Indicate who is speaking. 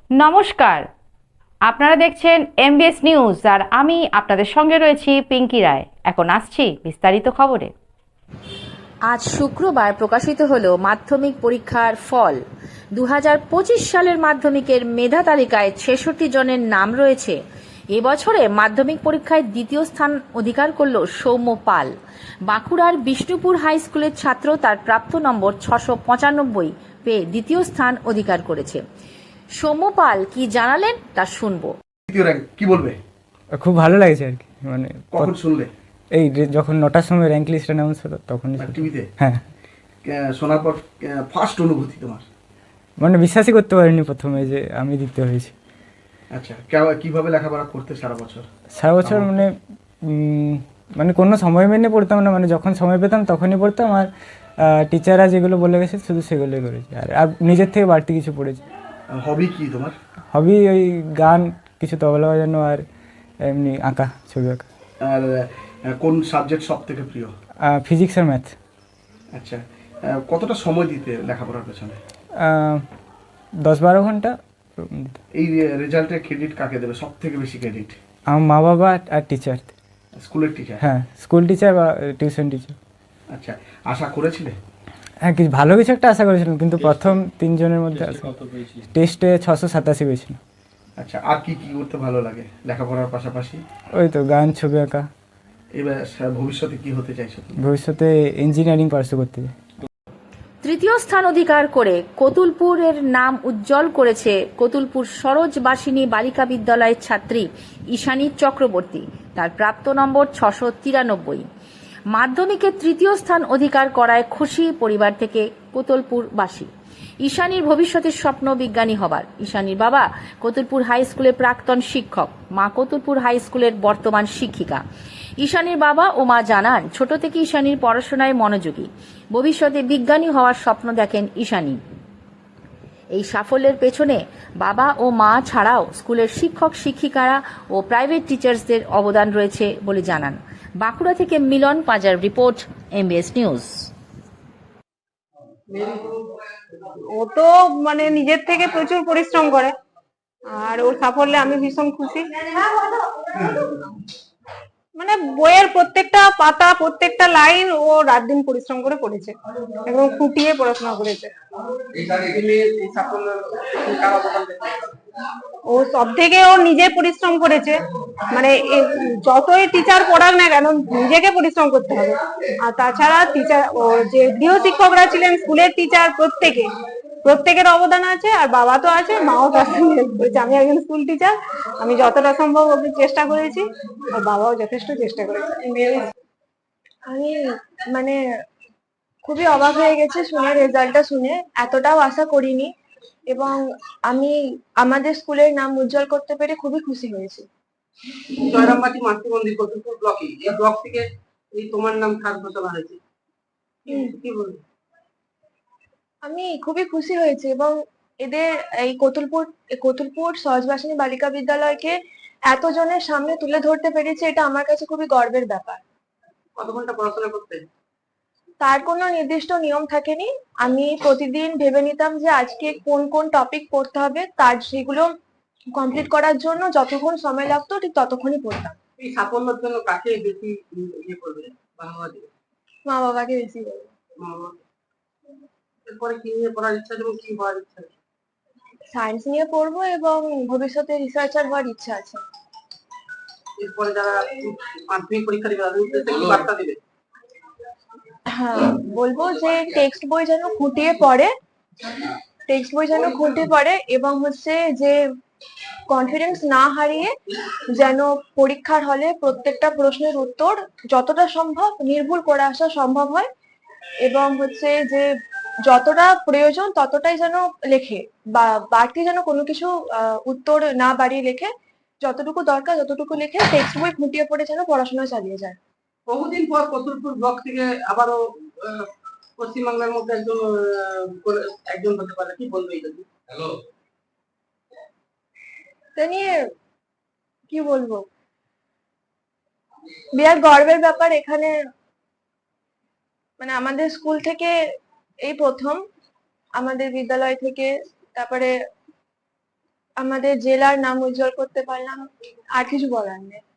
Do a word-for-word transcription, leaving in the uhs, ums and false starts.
Speaker 1: নমস্কার, আপনারা দেখছেন এমবিএস নিউজ আর আমি আপনাদের সঙ্গে রয়েছি পিঙ্কি রায়। এখন আসছি বিস্তারিত খবরে। আজ শুক্রবার প্রকাশিত হলো মাধ্যমিক পরীক্ষার ফল। দু হাজার পঁচিশ সালের মাধ্যমিকের মেধা তালিকায় ছেষট্টি জনের নাম রয়েছে। এবছরে মাধ্যমিক পরীক্ষায় দ্বিতীয় স্থান অধিকার করল সৌম্য পাল। বাঁকুড়ার বিষ্ণুপুর হাই স্কুলের ছাত্র তার প্রাপ্ত নম্বর ছশো পঁচানব্বই পেয়ে দ্বিতীয় স্থান অধিকার করেছে। সৌম্য পাল কি জানালেন তা শুনবো।
Speaker 2: দ্বিতীয় র্যাঙ্ক কি বলবে?
Speaker 3: খুব ভালো লাগছে আর কি, মানে
Speaker 2: কখন শুনলে?
Speaker 3: এই যে- যখন নটার সময় র্যাঙ্ক লিস্ট অ্যানাউন্স হলো তখনই শুনলাম।
Speaker 2: টিভিতে
Speaker 3: হ্যাঁ,
Speaker 2: শোনার পর ফার্স্ট অনুভূতি তোমার?
Speaker 3: মানে বিশ্বাসই করতে পারিনি প্রথমে যে আমি দ্বিতীয় হয়েছি।
Speaker 2: আচ্ছা, কেউ- কিভাবে লেখাপড়া করতে সারা বছর?
Speaker 3: সারা বছর মানে উম, মানে কোনো সময় মেনে পড়তাম না, মানে যখন সময় পেতাম তখনই পড়তাম। আর টিচাররা যেগুলো বলে গেছে শুধু সেগুলোই করেছি, আর আর নিজের থেকে বাড়তি কিছু পড়েছি।
Speaker 2: হবি কি তোমার?
Speaker 3: হবি ওই গান, কিছু তবলা বাজানো, আর এমনি আঁকা, ছবি আঁকা।
Speaker 2: আর আহ, কোন সাবজেক্ট সব থেকে প্রিয়?
Speaker 3: ফিজিক্স আর ম্যাথ।
Speaker 2: আচ্ছা, আহ, কতটা সময় দিতে লেখাপড়ার পেছনে?
Speaker 3: দশ বারো ঘন্টা দিতাম।
Speaker 2: এই রেজাল্টের ক্রেডিট কাকে দেবে সব থেকে বেশি ক্রেডিট?
Speaker 3: আমার মা বাবা আর টিচার।
Speaker 2: স্কুলের টিচার?
Speaker 3: হ্যাঁ, স্কুল টিচার বা টিউশন টিচার।
Speaker 2: আচ্ছা, আশা করেছিলে?
Speaker 3: হ্যাঁ, কিছু ভালো কিছু একটা আশা করেছিলাম, কিন্তু প্রথম তিনজনের মধ্যে টেস্টে ছশো সাতাশি পেয়েছিল।
Speaker 2: আচ্ছা, আর কি কি করতে ভালো লাগে লেখাপড়ার পাশাপাশি?
Speaker 3: ওই তো গান, ছবি আঁকা।
Speaker 2: এবার সা- ভবিষ্যতে কি হতে চাইছো তুমি?
Speaker 3: ভবিষ্যতে ইঞ্জিনিয়ারিং পার্সু করতে চাই।
Speaker 1: তৃতীয় স্থান অধিকার করে কতুলপুরের নাম উজ্জ্বল করেছে কতুলপুর সরোজবাসিনী বালিকা বিদ্যালয়ের ছাত্রী ঈশানী চক্রবর্তী। তার প্রাপ্ত নম্বর ছশো তিরানব্বই। মাধ্যমিকে তৃতীয় স্থান অধিকার করায় খুশি পরিবার থেকে কোতুলপুরবাসী। ঈশানীর ভবিষ্যতের স্বপ্ন বিজ্ঞানী হবার। ঈশানীর বাবা কতুলপুর হাই স্কুলের প্রাক্তন শিক্ষক, মা কতুলপুর হাই স্কুলের বর্তমান শিক্ষিকা। ঈশানীর বাবা ও মা জানান, ছোট থেকে ঈশানীর পড়াশোনায় মনোযোগী। ভবিষ্যতে বিজ্ঞানী হওয়ার স্বপ্ন দেখেন ঈশানী। এই সাফল্যের পেছনে বাবা ও মা ছাড়াও স্কুলের শিক্ষক শিক্ষিকারা ও প্রাইভেট টিচার্সদের অবদান রয়েছে বলে জানান। বাঁকুড়া থেকে মিলন পাজার রিপোর্ট, এমবিএস নিউজ।
Speaker 4: ও তো মানে নিজের থেকে প্রচুর পরিশ্রম করে, আর ওর সাফল্যে আমি ভীষণ খুশি। মানে বইয়ের প্রত্যেকটা পাতা, প্রত্যেকটা লাইন ও রাত দিন পরিশ্রম করে পড়েছে এবং খুঁটিয়ে পড়াশোনা করেছে। ও সব থেকে ও নিজে পরিশ্রম করেছে, মানে যতই টিচার পড়াক না কেন নিজেকে পরিশ্রম করতে হবে। আর তাছাড়া টিচার ও যে গৃহ শিক্ষকরা ছিলেন, স্কুলের টিচার, প্রত্যেকে প্রত্যেকের অবদান আছে। আর বাবা তো আছে, মাও তার সঙ্গে হেল্প করেছে। আমি একজন স্কুল টিচার, আমি যতটা সম্ভব ওকে চেষ্টা করেছি, আর বাবাও যথেষ্ট চেষ্টা করেছে। আমি মানে খুবই অবাক হয়ে গেছে শুনে, রেজাল্টটা শুনে এতটাও আশা করিনি, এবং আমি আমাদের স্কুলের নাম উজ্জ্বল করতে পেরে খুবই খুশি হয়েছি।
Speaker 5: জয়রামবাটি মাতৃমন্দির কতুলপুর ব্লকে, এই ব্লক থেকে এই তোমার নাম থার্ড ঘোষণা হয়েছে, কি বলবো?
Speaker 4: আমি খুবই খুশি হয়েছি, এবং এদের এই কতুলপুর কতুলপুর সহজবাসিনী বালিকা বিদ্যালয়কে এতজনের সামনে তুলে ধরতে পেরেছে, এটা আমার কাছে খুবই গর্বের ব্যাপার।
Speaker 5: কত ঘন্টা পড়াশোনা করতে?
Speaker 4: তার কোনো নির্দিষ্ট নিয়ম থাকেনি। আমি প্রতিদিন ভেবে নিতাম যে আজকে কোন কোন টপিক পড়তে হবে, তার সেগুলো কমপ্লিট করার জন্য যতক্ষণ সময় লাগতো ঠিক ততক্ষণই পড়তাম।
Speaker 5: এই সাফল্যের জন্য কাকে বেশি ইয়ে করবে? বাবা দিবে?
Speaker 4: মা বাবাকে বেশি বলবো।
Speaker 5: মা বাবা। এরপরে কি নিয়ে পড়ার ইচ্ছা আছে এবং কি হওয়ার ইচ্ছা আছে?
Speaker 4: সায়েন্স নিয়ে পড়বো এবং ভবিষ্যতে রিসার্চার হওয়ার ইচ্ছা আছে।
Speaker 5: এরপরে যারা মাধ্যমিক পরীক্ষা দিবে তাদের উদ্দেশ্যে কি বার্তা দিবে?
Speaker 4: হ্যাঁ, বলবো যে টেক্সট বই যেন খুঁটিয়ে পড়ে, টেক্সট বই যেন খুঁটিয়ে পড়ে এবং হচ্ছে যে কনফিডেন্স না হারিয়ে যেন পরীক্ষার হলে প্রত্যেকটা প্রশ্নের উত্তর যতটা সম্ভব নির্ভুল করে আসা সম্ভব হয়, এবং হচ্ছে যে যতটা প্রয়োজন ততটাই যেন লেখে, বা বাড়তি যেন কোনো কিছু উত্তর না বাড়িয়ে লেখে, যতটুকু দরকার ততটুকু লেখে, টেক্সট বই খুঁটিয়ে পড়ে যেন পড়াশোনা চালিয়ে যায়।
Speaker 5: বহুদিন পর কতুলপুর ব্লক থেকে আবারও পশ্চিমবাংলার মধ্যে একজন একজন হতে পারে, কি বলবে এই জন্য? হ্যালো,
Speaker 4: তা নিয়ে কি বলবো, বিরাট গর্বের ব্যাপার। এখানে মানে আমাদের স্কুল থেকে এই প্রথম, আমাদের বিদ্যালয় থেকে, তারপরে আমাদের জেলার নাম উজ্জ্বল করতে পারলাম, আর কিছু বলার নেই।